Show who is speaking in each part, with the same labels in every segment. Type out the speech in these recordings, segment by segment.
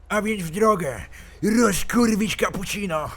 Speaker 1: A więc w drogę. Rozkurwić cappuccino.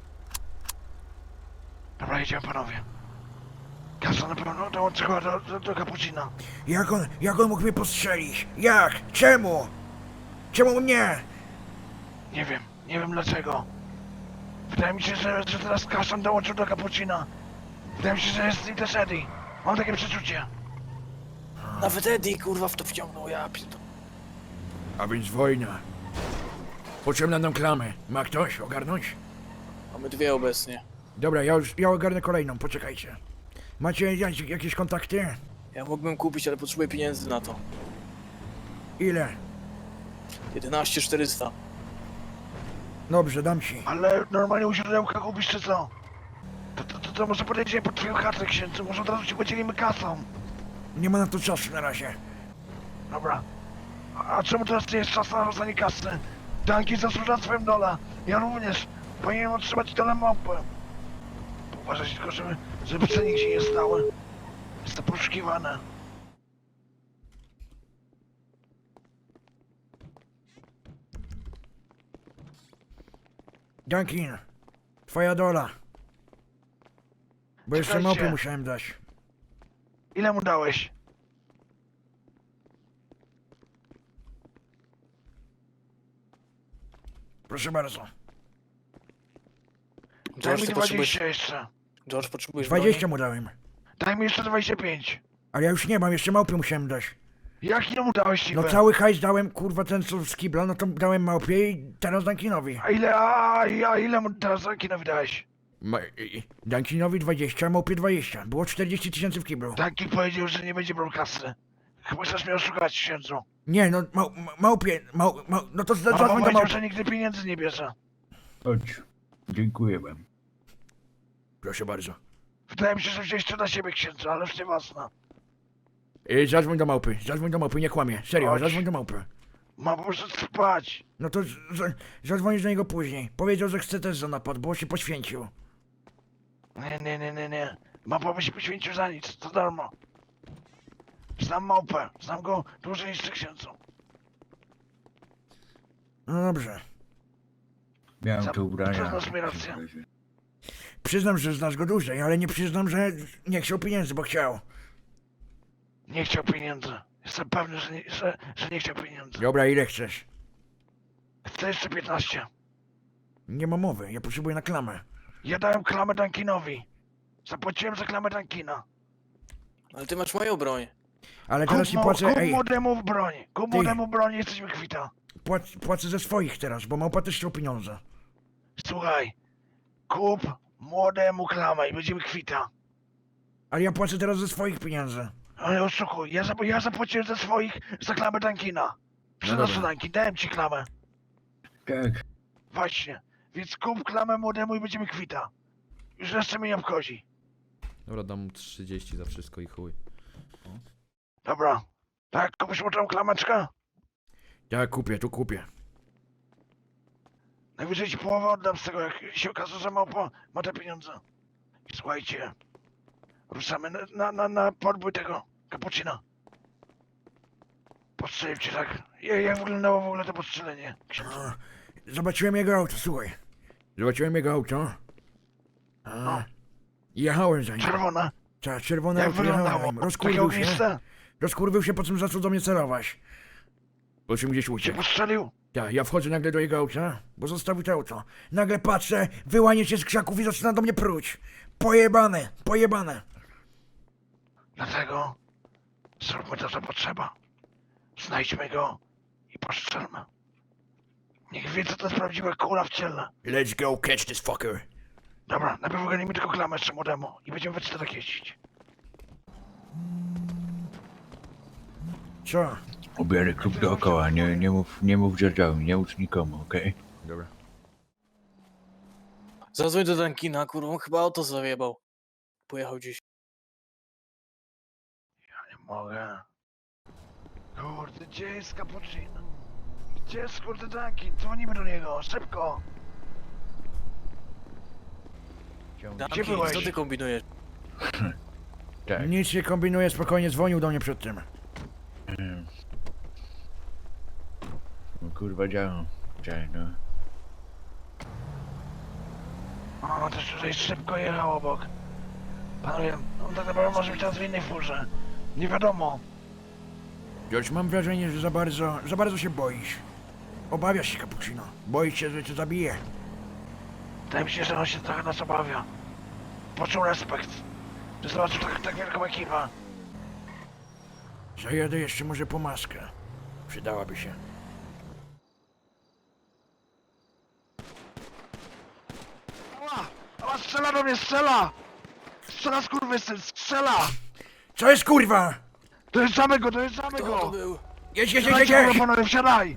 Speaker 2: Dobra, jedziemy panowie. Kasa na pewno dołączy chyba do cappuccina.
Speaker 1: Jak on mógł mnie postrzelić? Jak? Czemu? Czemu mnie?
Speaker 2: Nie wiem dlaczego. Wydaje mi się, że teraz Kasan dołączył do cappuccina. Wydaje mi się, że jest z nim też Eddie. Mam takie przeczucie.
Speaker 3: Nawet Eddie kurwa w to wciągnął, ja pierdolę.
Speaker 1: A więc wojna. Potrzebna nam klamę. Ma ktoś ogarnąć?
Speaker 3: Mamy dwie obecnie.
Speaker 1: Dobra, ja ogarnę kolejną, poczekajcie. Macie jakieś kontakty?
Speaker 3: Ja mógłbym kupić, ale potrzebuję pieniędzy na to.
Speaker 1: Ile?
Speaker 3: 11 400.
Speaker 1: Dobrze, dam ci.
Speaker 2: Ale normalnie u źródełka kupisz czy co? To może podejdziemy pod twoją chatę, księdzu. Może od razu ci podzielimy kasą.
Speaker 1: Nie ma na to czasu na razie.
Speaker 2: Dobra. A czemu teraz nie jest czas na rozdanie kasy? Danki zasłuża swoją dolę. Ja również. Powinienem otrzymać dolę małpy. Uważać tylko, żeby cennik się nie stały. Jest to poszukiwane.
Speaker 1: Duncan, twoja dola. Bo jeszcze
Speaker 2: Czekajcie.
Speaker 1: małpy musiałem dać.
Speaker 2: Ile mu dałeś?
Speaker 1: Proszę bardzo.
Speaker 2: Daj mi
Speaker 3: ty
Speaker 2: 20 jeszcze.
Speaker 3: George, potrzebujesz
Speaker 1: 20 mu dałem.
Speaker 2: Daj mi jeszcze 25.
Speaker 1: Ale ja już nie mam, jeszcze małpy musiałem dać.
Speaker 2: Jak ile mu dałeś niby?
Speaker 1: No cały hajs dałem, kurwa, ten co z kibla, no to dałem małpie i teraz Duncanowi.
Speaker 2: A ile mu teraz Dankinowi dałeś?
Speaker 1: Duncanowi 20, małpie 20. Było 40 000 w kiblu.
Speaker 2: Danki powiedział, że nie będzie brał kasy. Chyba chcesz mnie oszukać, księdzu.
Speaker 1: Nie, no małpie, no to
Speaker 2: Mama
Speaker 1: zadzwoń do
Speaker 2: powiedział,
Speaker 1: małpy.
Speaker 2: że nigdy pieniędzy nie bierze.
Speaker 4: Chodź. Dziękuję wam.
Speaker 1: Proszę bardzo.
Speaker 2: Wydaje mi się, że wziąłeś to na siebie, księdzu, ale już nieważne.
Speaker 1: Zadzwoń do małpy, nie kłamie. Serio,
Speaker 2: Chodź.
Speaker 1: zadzwoń do małpy.
Speaker 2: Ma po prostu spać.
Speaker 1: No to zadzwonisz do niego później. Powiedział, że chce też za napad, bo się poświęcił.
Speaker 2: Nie. Mapa by się poświęcił za nic, to darmo. Znam małpę, znam go dłużej niż ty, księdzu.
Speaker 1: No dobrze.
Speaker 4: Miałem
Speaker 2: Za-
Speaker 4: te ubrania.
Speaker 2: to znasz mi rację.
Speaker 1: Przyznam, że znasz go dłużej, ale nie przyznam, że nie chciał pieniędzy, bo chciał.
Speaker 2: Nie chciał pieniędzy. Jestem pewny, że nie chciał pieniędzy.
Speaker 1: Dobra, ile chcesz?
Speaker 2: Chcę jeszcze 15.
Speaker 1: Nie ma mowy, ja potrzebuję na klamę.
Speaker 2: Ja dałem klamę Dankinowi. Zapłaciłem za klamę Dankina.
Speaker 3: Ale ty masz moją broń.
Speaker 1: Ale teraz ci płacę,
Speaker 2: Kup
Speaker 1: ej,
Speaker 2: młodemu w broń. Kup
Speaker 1: Ty.
Speaker 2: młodemu broń, jesteśmy kwita.
Speaker 1: płacę ze swoich teraz, bo małpa też chciał pieniądze.
Speaker 2: Słuchaj. Kup młodemu klamę i będziemy kwita.
Speaker 1: Ale ja płacę teraz ze swoich pieniędzy.
Speaker 2: Ale oszukuj, ja zapłaciłem ze swoich za klamę Dankina. Przynoszę
Speaker 1: dobra.
Speaker 2: Dankin, dałem ci klamę.
Speaker 4: Tak.
Speaker 2: Właśnie. Więc kup klamę młodemu i będziemy kwita. Już jeszcze mnie nie obchodzi.
Speaker 5: Dobra, dam mu 30 za wszystko i chuj.
Speaker 2: Dobra. Tak, kupisz młodemu klameczkę?
Speaker 1: Tak, tu kupię.
Speaker 2: Najwyżej ci połowę oddam z tego, jak się okaże, że małpa ma te pieniądze. I słuchajcie. Ruszamy na podbój tego cappuccina. Postrzelił cię tak. Jak wyglądało w ogóle to postrzelenie? księdzu?
Speaker 1: Zobaczyłem jego auto, słuchaj. Zobaczyłem jego auto.
Speaker 2: No.
Speaker 1: Jechałem za nim.
Speaker 2: Czerwona.
Speaker 1: Tak, czerwone
Speaker 2: Jak
Speaker 1: auto, jechałem za
Speaker 2: wyglądało?
Speaker 1: nim.
Speaker 2: Takie
Speaker 1: Rozkurwił się.
Speaker 2: ogniste?
Speaker 1: Rozkurwił się, po czym zaczął do mnie celować. Po czym gdzieś
Speaker 2: Cię
Speaker 1: uciekł.
Speaker 2: postrzelił?
Speaker 1: Tak, ja wchodzę nagle do jego auta, bo zostawił to auto. Nagle patrzę, wyłanie się z krzaków i zaczyna do mnie pruć. Pojebane.
Speaker 2: Dlatego zróbmy to, co potrzeba. Znajdźmy go i postrzelmy. Niech wie, co to jest prawdziwa kula w ciele.
Speaker 1: Let's go catch this fucker.
Speaker 2: Dobra, najpierw ogarnijmy tylko klamę jeszcze młodemu i będziemy we czterech tak jeździć.
Speaker 1: Co?
Speaker 4: Ubieraj klub dookoła. Nie mów dzierżawi, nie ucz nikomu, okej?
Speaker 5: Dobra.
Speaker 3: Zadzwoń do Dankina, kurwa, on chyba auto zajebał. Pojechał gdzieś.
Speaker 2: Nie mogę. Kurde, gdzie jest cappuccino? Gdzie jest kurde Dunkin? Dzwonimy do niego, szybko!
Speaker 3: Dunkin,
Speaker 2: byłeś?
Speaker 3: co ty kombinujesz?
Speaker 4: Tak.
Speaker 1: Nic nie kombinuję, spokojnie, dzwonił do mnie przed tym.
Speaker 4: No, kurwa działam. Cześć, no.
Speaker 2: O, też tutaj szybko jechał obok. Panowie, on tak naprawdę może być teraz w innej furze. Nie wiadomo.
Speaker 1: George, mam wrażenie, że za bardzo się boisz. Obawiasz się, Cappuccino. Boisz się, że cię zabije.
Speaker 2: Wydaje mi się, że on się trochę nas obawia. Poczuł respekt. Że zobaczył tak wielką ekipę.
Speaker 1: Zajadę jeszcze może po maskę. Przydałaby się.
Speaker 2: Ała! Ała, strzela do mnie, strzela! Strzela skurwysyn, strzela!
Speaker 1: Co jest kurwa?
Speaker 2: Dojeżdżamy go, dojeżdżamy
Speaker 3: Kto to
Speaker 2: go!
Speaker 3: był?
Speaker 1: Jedź, jedź, jedź,
Speaker 2: Wsiadajcie,
Speaker 1: jedź!
Speaker 2: kurwa, panowie, wsiadaj!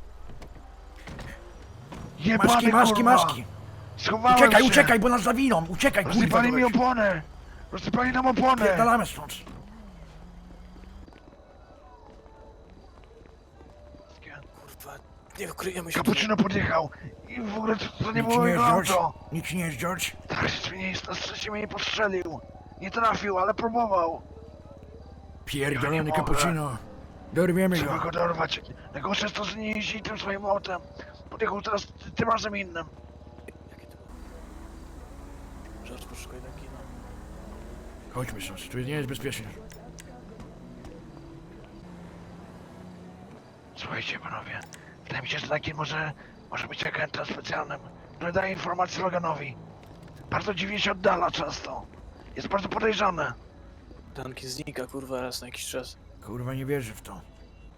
Speaker 2: Jebany,
Speaker 1: Maski, maski,
Speaker 2: kurwa.
Speaker 1: maski!
Speaker 2: Schowałem
Speaker 1: Uciekaj,
Speaker 2: się.
Speaker 1: uciekaj, bo nas zawiną! Uciekaj, kurwa!
Speaker 2: Rozsypali mi
Speaker 1: weź.
Speaker 2: oponę! Rozsypali nam oponę!
Speaker 1: Pierdalamy stąd!
Speaker 3: Kurwa, nie ukryjemy się.
Speaker 2: Cappuccino podjechał i w ogóle to nie
Speaker 1: Nic
Speaker 2: było
Speaker 1: nie jest,
Speaker 2: jego
Speaker 1: George?
Speaker 2: auto.
Speaker 1: Nic nie jest, George?
Speaker 2: Tak, na szczęście mnie nie postrzelił. Nie trafił, ale próbował.
Speaker 1: Pierdolony
Speaker 2: mogę.
Speaker 1: Cappuccino. Dorwiemy
Speaker 2: Trzeba
Speaker 1: go.
Speaker 2: go dorwać. Najgorsze jest to, że nie jeździ tym swoim autem. Podjechał teraz tym razem innym.
Speaker 3: Jakie to było? George, poszukaj Dunkina.
Speaker 1: Chodźmy stąd, tu nie jest bezpiecznie.
Speaker 2: Słuchajcie, panowie. Wydaje mi się, że taki może być agentem specjalnym, który daje informacje Loganowi. Bardzo dziwnie się oddala często. Jest bardzo podejrzany.
Speaker 3: Dunkin znika, kurwa, raz na jakiś czas.
Speaker 1: Kurwa, nie wierzę w to.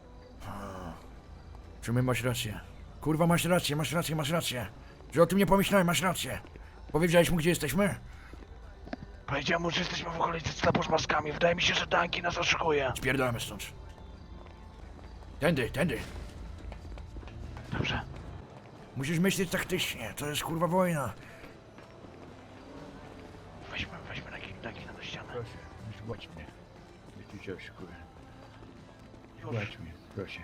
Speaker 1: Czy my masz rację? Kurwa, masz rację, masz rację, masz rację. Że o tym nie pomyślałem, masz rację. Powiedziałeś mu, gdzie jesteśmy?
Speaker 2: Powiedziałem mu, że jesteśmy w okolicy sklepu z maskami. Wydaje mi się, że Dunkin nas oszukuje.
Speaker 1: Spierdolamy stąd. Tędy, tędy.
Speaker 2: Dobrze.
Speaker 1: Musisz myśleć taktycznie, to jest kurwa wojna.
Speaker 2: Weźmy Dunkina do ściany.
Speaker 4: Proszę, zgładź mnie. Wyciąłeś, kurwa. Zgładź mnie, proszę.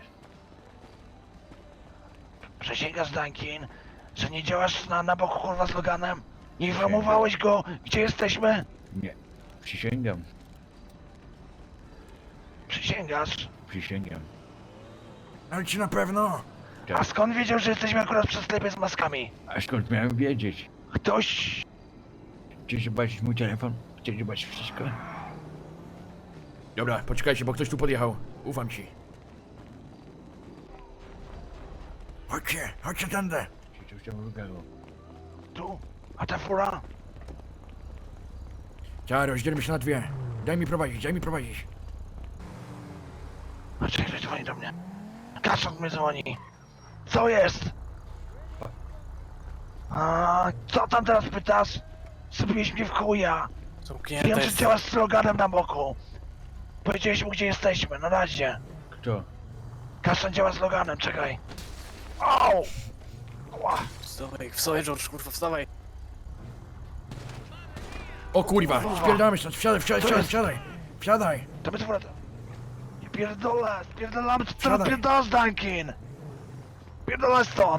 Speaker 2: Przysięgasz, Dunkin, że nie działasz na boku kurwa z Loganem? Nie informowałeś go, gdzie jesteśmy?
Speaker 4: Nie. Przysięgam.
Speaker 2: Przysięgasz?
Speaker 4: Przysięgam.
Speaker 1: Ale ci na pewno?
Speaker 2: A skąd wiedział, że jesteśmy akurat przy sklepie z maskami?
Speaker 4: A skąd miałem wiedzieć?
Speaker 2: Ktoś...
Speaker 4: Chcesz zobaczyć mój telefon? Chcesz zobaczyć wszystko?
Speaker 1: Dobra, poczekajcie, bo ktoś tu podjechał. Ufam ci. Chodźcie, chodźcie tędy.
Speaker 4: Czy to w lugaru?
Speaker 2: Tu? A ta fura?
Speaker 1: Trzeba rozdzielmy się na dwie. Daj mi prowadzić, daj mi prowadzić.
Speaker 2: A czekaj, dzwoni do mnie. Kasząc mnie dzwoni. Co jest? A co tam teraz pytasz? Zrobiłeś mnie w chuja.
Speaker 3: Zamknięte
Speaker 2: Wiem, że
Speaker 3: jest.
Speaker 2: działasz z Loganem na boku. Powiedziałeś mu, gdzie jesteśmy, na razie.
Speaker 4: Kto?
Speaker 2: Kaszan działa z Loganem, czekaj. Au! Ła.
Speaker 3: Wstawaj, George, kurwa, wstawaj.
Speaker 1: O kurwa, spierdamy stąd, wsiadaj, wsiadaj,
Speaker 2: Co
Speaker 1: wsiadaj,
Speaker 2: jest?
Speaker 1: wsiadaj. Wsiadaj.
Speaker 2: To my tu wracamy. Nie pierdolę, spierdolamy, co ty
Speaker 1: Siadaj.
Speaker 2: pierdolasz, Dunkin? Pierdolę stąd.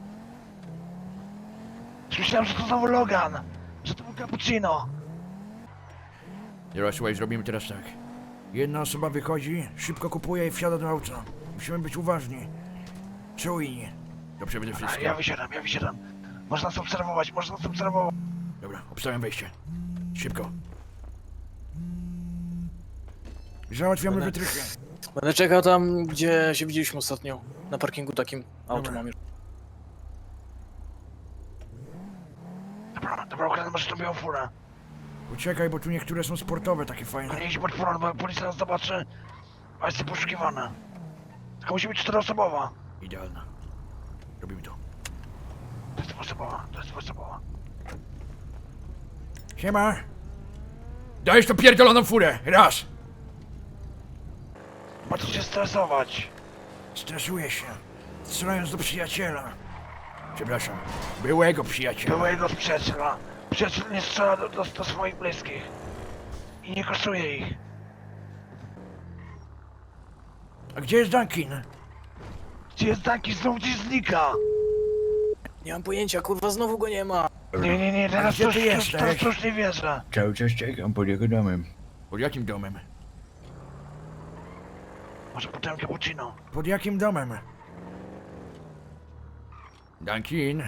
Speaker 2: Już myślałem, że to znowu Logan. Że to był Cappuccino.
Speaker 1: Dobra, słuchaj, zrobimy teraz tak. Jedna osoba wychodzi, szybko kupuje i wsiada do auta. Musimy być uważni. Czujni. To przede
Speaker 2: A
Speaker 1: wszystkim.
Speaker 2: ja wysiadam. Można nas obserwować,
Speaker 1: Dobra, obstawiam wejście. Szybko. Załatwiamy
Speaker 3: Będę-
Speaker 1: wytrychy.
Speaker 3: Będę czekał tam, gdzie się widzieliśmy ostatnio. Na parkingu takim. Auto
Speaker 1: Dobra.
Speaker 3: mam już.
Speaker 2: Dobra, ukradnę może tą białą furę.
Speaker 1: Uciekaj, bo tu niektóre są sportowe, takie fajne.
Speaker 2: Nie idź pod furą, bo policja nas zobaczy. A jest poszukiwana. Tylko musi być 4-osobowa.
Speaker 1: Idealna. Robimy to.
Speaker 2: To jest 2-osobowa.
Speaker 1: Siema. Dajesz to pierdoloną furę. Raz.
Speaker 2: Ma co się stresować.
Speaker 1: Stresuję się. Strzelając do przyjaciela. Przepraszam. Byłego przyjaciela.
Speaker 2: Byłego przyjaciela. Przyjaciel nie strzela do swoich bliskich. I nie kosztuje ich.
Speaker 1: A gdzie jest Dunkin?
Speaker 2: Gdzie jest Dunkin? Znowu gdzieś znika.
Speaker 3: Nie mam pojęcia, kurwa, znowu go nie ma.
Speaker 2: Nie, teraz
Speaker 1: gdzie
Speaker 2: już,
Speaker 1: ty
Speaker 2: już,
Speaker 1: jesteś?
Speaker 2: teraz już nie wierzę.
Speaker 4: Cały czas czekam pod jego domem.
Speaker 1: Pod jakim domem?
Speaker 2: Może potem Cappuccino.
Speaker 1: Pod jakim domem? Duncan?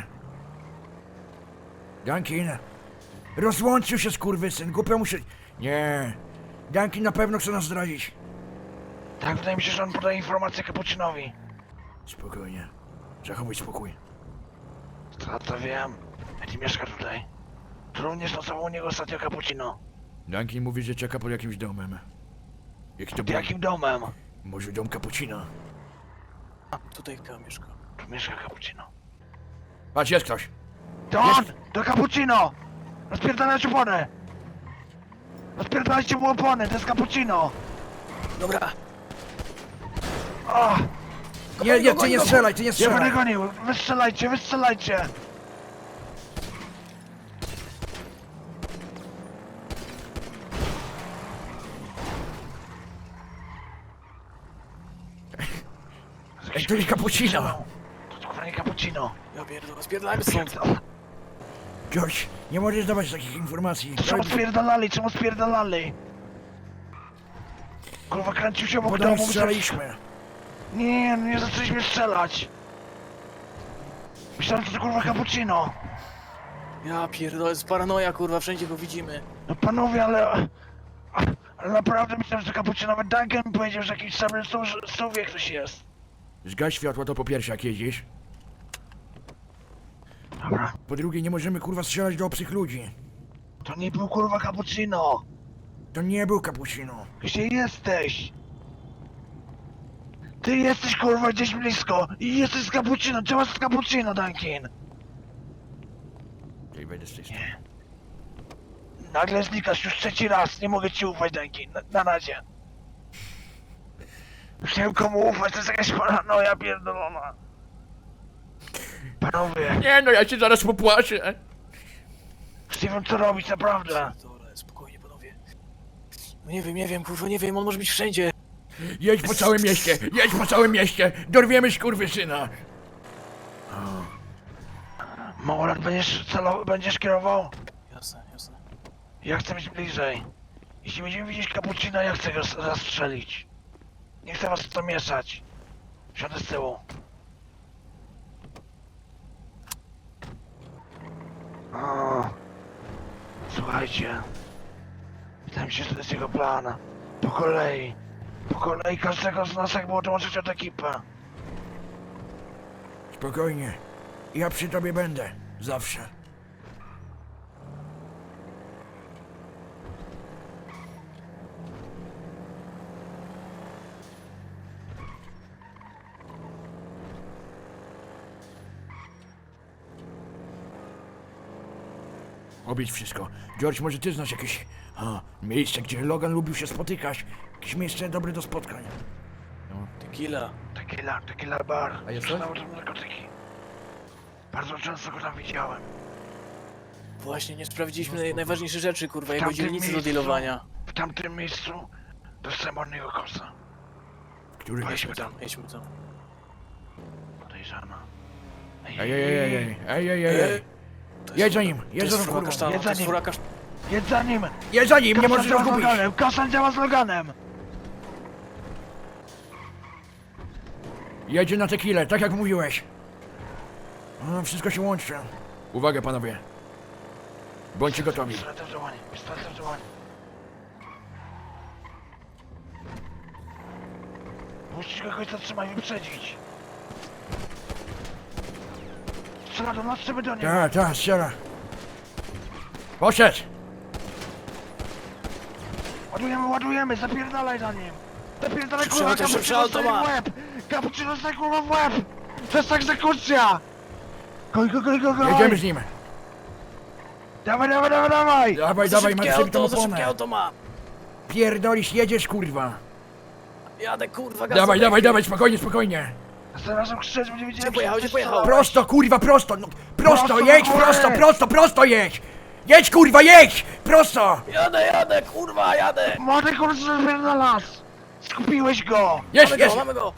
Speaker 1: Duncan? Rozłączył się skurwysyn, głupio mu się... Nie. Duncan na pewno chce nas zdradzić.
Speaker 2: Tak, wydaje mi się, że on podaje informację Kapucinowi.
Speaker 1: Spokojnie. Zachowuj spokój.
Speaker 2: To wiem. Eddie mieszka tutaj. Tu również nocował u niego ostatnio Cappuccino.
Speaker 1: Duncan mówi, że czeka pod jakimś domem. Jaki to
Speaker 2: Pod
Speaker 1: był?
Speaker 2: jakim domem?
Speaker 1: Może dom Cappuccina?
Speaker 3: A, tutaj chyba mieszka.
Speaker 2: Tu mieszka Cappuccino.
Speaker 1: Patrz, jest ktoś.
Speaker 2: To on! To Cappuccino! Rozpierdalajcie opony! Rozpierdalajcie mu opony, to jest Cappuccino!
Speaker 3: Dobra,
Speaker 2: O!
Speaker 1: Nie, ty nie strzelaj, ty nie
Speaker 2: Ja
Speaker 1: strzelaj.
Speaker 2: będę gonił! Wystrzelajcie, wystrzelajcie!
Speaker 1: Ej, to nie Cappuccino.
Speaker 2: To kurwa nie Cappuccino!
Speaker 3: ja pierdolę, spierdalajmy stąd.
Speaker 1: George, nie możesz dawać takich informacji.
Speaker 2: Czemu spierdalali, czemu spierdalali? Kurwa kręcił się obok
Speaker 1: Potem
Speaker 2: domu.
Speaker 1: strzelaliśmy.
Speaker 2: Nie zaczęliśmy strzelać! Myślałem, że to kurwa Cappuccino!
Speaker 3: Ja pierdolę, z paranoja kurwa, wszędzie go widzimy.
Speaker 2: No panowie, ale naprawdę myślałem, że to Cappuccino. Nawet Duncan mi powiedział, że jakiś sam wie ktoś jest.
Speaker 1: Zgaś światło to po pierwsze jak jeździsz.
Speaker 2: Dobra.
Speaker 1: Po drugie nie możemy kurwa strzelać do obcych ludzi.
Speaker 2: To nie był kurwa Cappuccino!
Speaker 1: To nie był Cappuccino.
Speaker 2: Gdzie jesteś? Ty jesteś kurwa gdzieś blisko i jesteś z Cappuccino. Czemu z Cappuccino, Duncan?
Speaker 1: Ej, wejdę z tej strony.
Speaker 2: Nagle znikasz już trzeci raz. Nie mogę ci ufać, Duncan. Na razie. Już nie wiem komu ufać, to jest jakaś paranoja pierdolona. Panowie,
Speaker 1: Nie no, ja cię zaraz popłaczę.
Speaker 2: już nie wiem co robić, naprawdę.
Speaker 3: Pierdolę, spokojnie panowie. No nie wiem, kurwa, nie wiem, on może być wszędzie.
Speaker 1: Jedź po całym mieście, jedź po całym mieście. Dorwiemy skurwysyna.
Speaker 2: Małolat, będziesz kierował?
Speaker 3: Jasne, jasne.
Speaker 2: Ja chcę być bliżej. Jeśli będziemy widzieć Cappuccina, ja chcę go zastrzelić. Nie chcę was w to mieszać. Siądę z tyłu. O, słuchajcie. Wydaje mi się, że to jest jego plan. Po kolei. Po kolei każdego z nas jakby odłączyć od ekipy.
Speaker 1: Spokojnie. Ja przy tobie będę. Zawsze. Obić wszystko. George, może ty znasz jakieś miejsce, gdzie Logan lubił się spotykać? Jakieś miejsce dobre do spotkań.
Speaker 3: Tequila.
Speaker 2: Tequila bar.
Speaker 5: A jest
Speaker 2: Sprzedawał tam narkotyki. Bardzo często go tam widziałem.
Speaker 3: Właśnie, nie sprawdziliśmy najważniejsze rzeczy, kurwa, jego
Speaker 2: tamtym
Speaker 3: dzielnicy do
Speaker 2: miejscu-
Speaker 3: dealowania.
Speaker 2: W tamtym miejscu dostałem od niego kosa.
Speaker 1: Który
Speaker 2: Weźmy tam.
Speaker 3: Jedźmy tam.
Speaker 2: Podejrzana.
Speaker 1: Ej.
Speaker 3: To
Speaker 1: Jedź
Speaker 3: jest
Speaker 1: za nim,
Speaker 3: To
Speaker 1: jedź
Speaker 3: jest
Speaker 1: za
Speaker 3: fura
Speaker 1: kurwą.
Speaker 3: kasztana,
Speaker 2: Jedź
Speaker 3: to
Speaker 2: za
Speaker 3: jest
Speaker 2: nim.
Speaker 3: fura kasztana.
Speaker 2: Jedź za nim!
Speaker 1: Jedź za nim, nie
Speaker 2: Kasan
Speaker 1: możesz
Speaker 2: działa
Speaker 1: go
Speaker 2: z
Speaker 1: zgubić.
Speaker 2: Loganem! Kasan działa z Loganem!
Speaker 1: Jedzie na tequilę, tak jak mówiłeś. Wszystko się łączy. Uwaga panowie. Bądźcie gotowi.
Speaker 2: Pistolet w działanie, pistolet w działanie. Musisz kogoś zatrzymać, wyprzedzić. Strzela do nas, strzelmy do niego.
Speaker 1: Tak, strzela. Poszedł.
Speaker 2: Ładujemy, zapierdalaj za nim. Zapierdalaj
Speaker 3: Szybszy
Speaker 2: kurwa,
Speaker 3: auto, szybszy
Speaker 2: Cappuccino
Speaker 3: auto
Speaker 2: dostaje
Speaker 3: ma.
Speaker 2: w łeb. Cappuccino dostaje kurwa w łeb. To jest egzekucja. Goj.
Speaker 1: Jedziemy z nim.
Speaker 2: Dawaj.
Speaker 1: Dawaj,
Speaker 3: Za
Speaker 1: mamy
Speaker 3: szybkie
Speaker 1: przebitą
Speaker 3: auto, za szybkie
Speaker 1: oponę.
Speaker 3: auto ma.
Speaker 1: Pierdolisz, jedziesz kurwa.
Speaker 3: Jadę, kurwa, gaz.
Speaker 1: Dawaj, spokojnie.
Speaker 2: Następnym razem krzyczeć, będzie wiedzieć,
Speaker 3: Gdzie pojechał?
Speaker 1: Prosto, kurwa, prosto. No, prosto,
Speaker 2: Prosto
Speaker 1: jedź,
Speaker 2: do góry.
Speaker 1: prosto jedź. Jedź kurwa, jedź. Prosto.
Speaker 3: Jadę, kurwa, jadę.
Speaker 2: Młody kurwa, zapierdalasz. Skupiłeś go.
Speaker 1: Jest.
Speaker 3: Mamy go.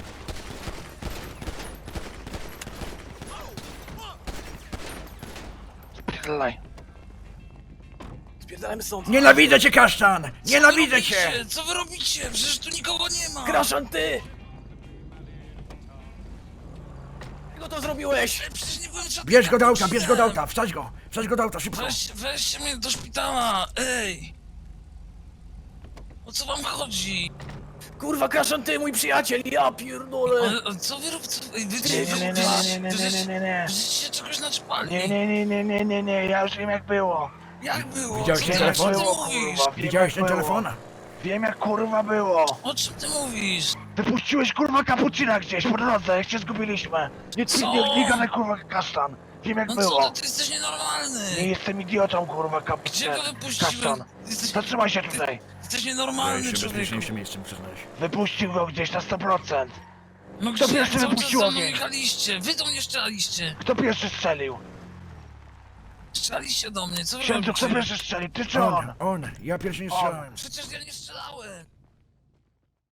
Speaker 2: Zapierdalaj.
Speaker 3: Spierdalamy stąd.
Speaker 1: Nienawidzę cię, kasztan. Nienawidzę cię.
Speaker 6: Co wy robicie? Przecież tu nikogo nie ma!
Speaker 3: Kraszan, ty! No to zrobiłeś!
Speaker 6: Przecież nie byłem żadnym
Speaker 1: Bierz go do auta,
Speaker 6: kapucinem.
Speaker 1: bierz go do auta, wsadź go do auta, szybko.
Speaker 6: Weźcie mnie do szpitala, ej! O co wam chodzi?
Speaker 3: Kurwa, Kaszan, ty mój przyjaciel, ja pierdolę!
Speaker 6: Ale co wy robicie? Ej, wy
Speaker 2: Nie.
Speaker 6: się czegoś naczpali.
Speaker 2: Nie, ja już wiem jak było.
Speaker 6: Jak było?
Speaker 1: Widziałeś
Speaker 6: Co
Speaker 1: ten
Speaker 6: ty-
Speaker 1: telefon?
Speaker 6: O czym ty
Speaker 2: Było,
Speaker 6: mówisz?
Speaker 2: kurwa. Wiem,
Speaker 1: Widziałeś
Speaker 2: jak
Speaker 1: ten
Speaker 2: było.
Speaker 1: telefon?
Speaker 2: Wiem jak kurwa było.
Speaker 6: O czym ty mówisz?
Speaker 2: Wypuściłeś kurwa kapucina gdzieś po drodze, jak się zgubiliśmy.
Speaker 6: Co?
Speaker 2: Nie gadaj kurwa kasztan. Wiem jak
Speaker 6: No
Speaker 2: było.
Speaker 6: co ty jesteś nienormalny!
Speaker 2: Nie jestem idiotą kurwa
Speaker 6: Gdzie
Speaker 2: kapucin.
Speaker 6: go wypuściłem?
Speaker 2: Kasztan. Zatrzymaj się tutaj.
Speaker 6: Jesteś nienormalny,
Speaker 1: Jeszcze
Speaker 6: człowieku.
Speaker 1: bezpieczniejszym miejscem przyznałeś.
Speaker 2: Wypuścił go gdzieś na 100%.
Speaker 6: No
Speaker 2: Kto
Speaker 6: gdzie?
Speaker 2: pierwszy
Speaker 6: Cały czas
Speaker 2: wypuścił
Speaker 6: za mną
Speaker 2: ogień?
Speaker 6: jechaliście! Wy do mnie strzelaliście!
Speaker 2: Kto pierwszy strzelił?
Speaker 6: Strzelaliście do mnie, co wy
Speaker 2: Księdzu, kto
Speaker 6: robicie?
Speaker 2: pierwszy strzelił? Ty czy on?
Speaker 1: On, ja pierwszy nie strzelałem.
Speaker 6: Przecież ja nie strzelałem!